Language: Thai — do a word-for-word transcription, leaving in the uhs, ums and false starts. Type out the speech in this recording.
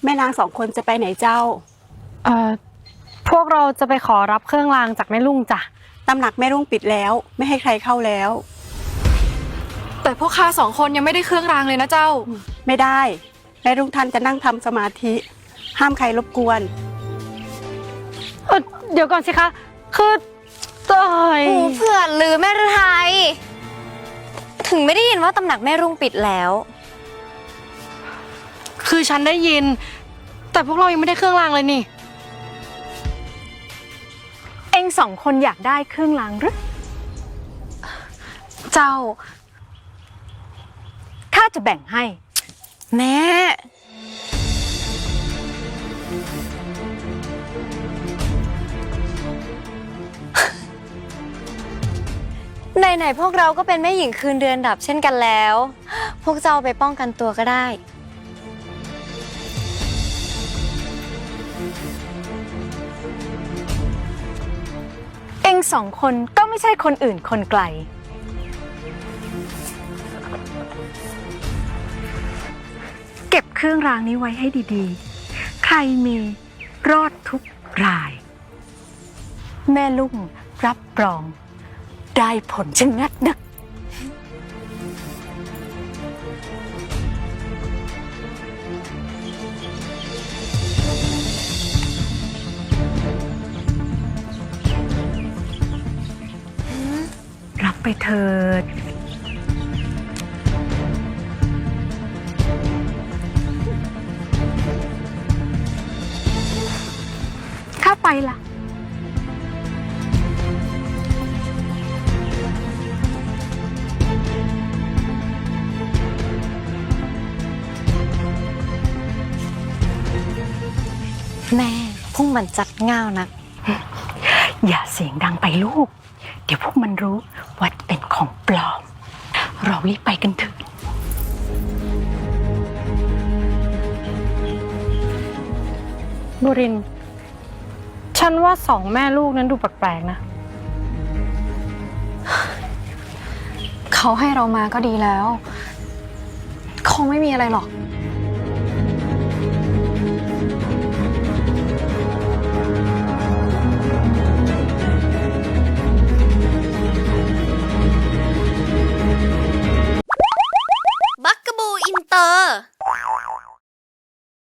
แม่นางสองคนจะไปไหนเจ้าเอ่อพวกเราจะไปขอรับเครื่องรางจากแม่ลุงจ้ะตำหนักแม่รุ่งปิดแล้วไม่ให้ใครเข้าแล้วแต่พวกข้าสองคนยังไม่ได้เครื่องรางเลยนะเจ้าไม่ได้แม่รุ่งท่านจะนั่งทำสมาธิห้ามใครรบกวนเออเดี๋ยวก่อนสิคะคือตายหูเผื่อหรือแม่ฤทัยถึงไม่ได้ยินว่าตำหนักแม่รุ่งปิดแล้วคือฉันได้ยินแต่พวกเรายังไม่ได้เครื่องรางเลยนี่เอ็งสองคนอยากได้เครื่องรางหรือเจ้าข้าจะแบ่งให้แม่ไหนๆพวกเราก็เป็นแม่หญิงคืนเดือนดับเช่นกันแล้ว พวกเจ้าไปป้องกันตัวก็ได้เอ็งสองคนก็ไม่ใช่คนอื่นคนไกลเก็บเครื่องรางนี้ไว้ให้ดีๆใครมีรอดทุกรายแม่ลุงรับรองได้ผลชะงัดนักรับไปเถิดข้าไปละแม่พุ่งมันจัดง่าวนักอย่าเสียงดังไปลูกเดี๋ยวพวกมันรู้ว่าเป็นของปลอมเรารีบไปกันเถอะบุรินฉันว่าสองแม่ลูกนั้นดูแปลกๆนะเขาให้เรามาก็ดีแล้วคงไม่มีอะไรหรอก